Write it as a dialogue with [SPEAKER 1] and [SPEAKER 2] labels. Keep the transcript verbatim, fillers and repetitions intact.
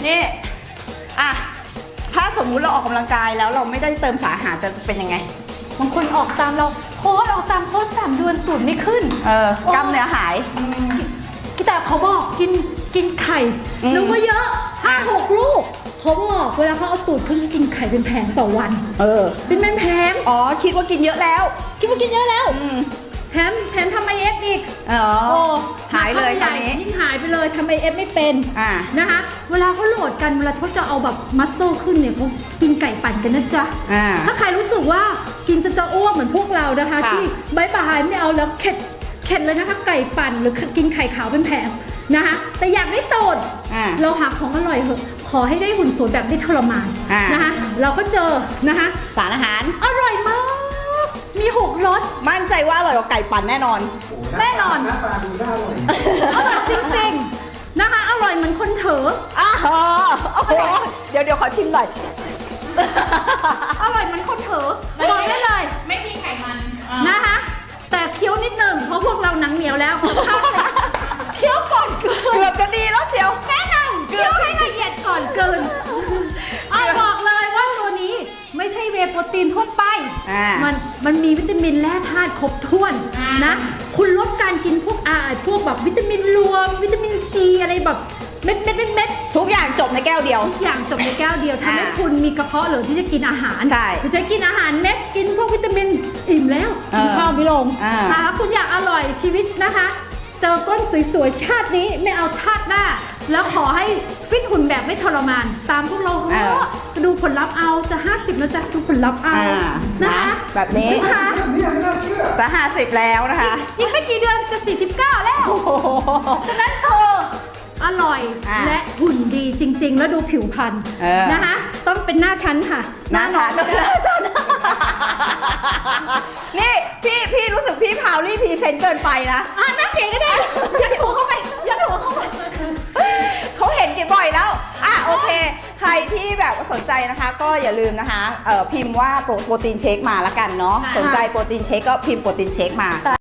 [SPEAKER 1] นี่อ่ะถ้าสมมุติเราออกกำลังกายแล้วเราไม่ได้เติมสารอาหารจะเป็นยังไง
[SPEAKER 2] บางคนออกตามเราโค้ชออกตามโค้ชสามเดือนตูดไม่ขึ้น
[SPEAKER 1] เออกล้ามเนื้อหาย
[SPEAKER 2] พี่แต่เขาบอกกินกินไข่นึกว่าเยอะห้าหกลูกเขาบอกเวลาเขาเอาตูดขึ้นกินไข่เป็นแผงต่อวัน
[SPEAKER 1] เออ
[SPEAKER 2] เป็นแผง
[SPEAKER 1] อ๋อคิดว่ากินเยอะแล้ว
[SPEAKER 2] คิดว่ากินเยอะแล้วแถมแถมทำไอเอฟอีก
[SPEAKER 1] อ๋อหายเลยตอนนี้
[SPEAKER 2] ยิ่งหายไปเลยทำไอเอฟไม่เป็นนะคะเวลาเขาโหลดกันเวลาเขาจะเอาแบบมัสเซลขึ้นเนี่ยเขากินไก่ปั่นกันนะจ๊ะถ้าใครรู้สึกว่ากินจะจะอ้วกเหมือนพวกเรานะคะที่ใบปลายไม่เอาแล้วเข็ดเข็ดเลยนะคะไก่ปั่นหรือกินไข่ขาวเป็นแผงนะคะแต่อยากได้ตูดเราหาของอร่อยเหอะขอให้ได้หุ่นสวยแบบไม่ทรมานนะคะเราก็เจอนะคะ
[SPEAKER 1] สารอาหาร
[SPEAKER 2] อร่อยมากมีหกรส
[SPEAKER 1] มั่นใจว่าอร่อยกว่าไก่ปั่นแน่นอน
[SPEAKER 2] แน่นอน
[SPEAKER 3] หน้าตาดูน่าอร่อย
[SPEAKER 2] อร่อยจริงๆนะคะอร่อยเหมือนคนเถอะ
[SPEAKER 1] อ้าวโอ้โหเดี๋ยวเดี๋ยวขอชิมหน่อย
[SPEAKER 2] อร่อยเหมือนคนเถอะบอกได้เลย
[SPEAKER 4] ไม่มีไขมัน
[SPEAKER 2] นะคะแต่เคี้ยวนิดหนึ่งเพราะพวกเราหนังเหนียวแล้วเคี้ยวก่อนเกิน
[SPEAKER 1] เกือบจะดีแล้วเชียว
[SPEAKER 2] แน่นอนเคี้ยวให้ละเอียดก่อนเกินเอาบอกเลยว่าตัวนี้ไม่ใช่เวย์โปรตีนทั่วไปมันมันมีวิตามินและธาตุครบถ้วนนะคุณลดการกินพวกอาพวกแบบวิตามินรวมวิตามินซีอะไรแบบเม็ดเม็ดเม็ดเม็ด
[SPEAKER 1] ทุกอย่างจบในแก้วเดียว
[SPEAKER 2] ทุกอย่างจบในแก้วเดียวทำให้คุณมีกระเพาะเหลือที่จะกินอาหาร
[SPEAKER 1] ใช่
[SPEAKER 2] จะกินอาหารเม็ดกินพวกวิตามินอิ่มแล้วกินข้าวไม่ลงถ้าคุณอยากอร่อยชีวิตนะคะเจอก้นสวยๆชาตินี้ไม่เอาชาติหน้าแล้วขอให้ฟิตหุ่นแบบไม่ทรมานตามพวกเราดูผลลัพธ์เอาจะห้าสิบแล้วจะดูผลลัพธ์เอานะคะ
[SPEAKER 1] แบบนี้
[SPEAKER 2] นะคะ
[SPEAKER 1] สหาสิบแล้วนะคะ
[SPEAKER 2] ยิ่งไม่กี่เดือนจะสี่สิบเก้าแล้วฉะนั้นเธออร่อยและหุ่นดีจริงๆแล้วดูผิวพรรณนะคะต้องเป็นหน้าชั้นค่ะ
[SPEAKER 1] หน้าชั้นนี่พี่พี่รู้สึกพี่พาวลี่พรีเซนต์เกินไปนะ
[SPEAKER 2] อ่ะหน้าเก๋ก็ได้ยัดหัวเข้าไปยัดหัวเข้าไป
[SPEAKER 1] เขาเห็นกี่บ่อยแล้วอ่ะโอเคใครที่แบบสนใจนะคะก็อย่าลืมนะคะเอ่อพิมพ์ว่าโปรตีนเชคมาละกันเนาะสนใจโปรตีนเชคก็พิมพ์โปรตีนเชคมา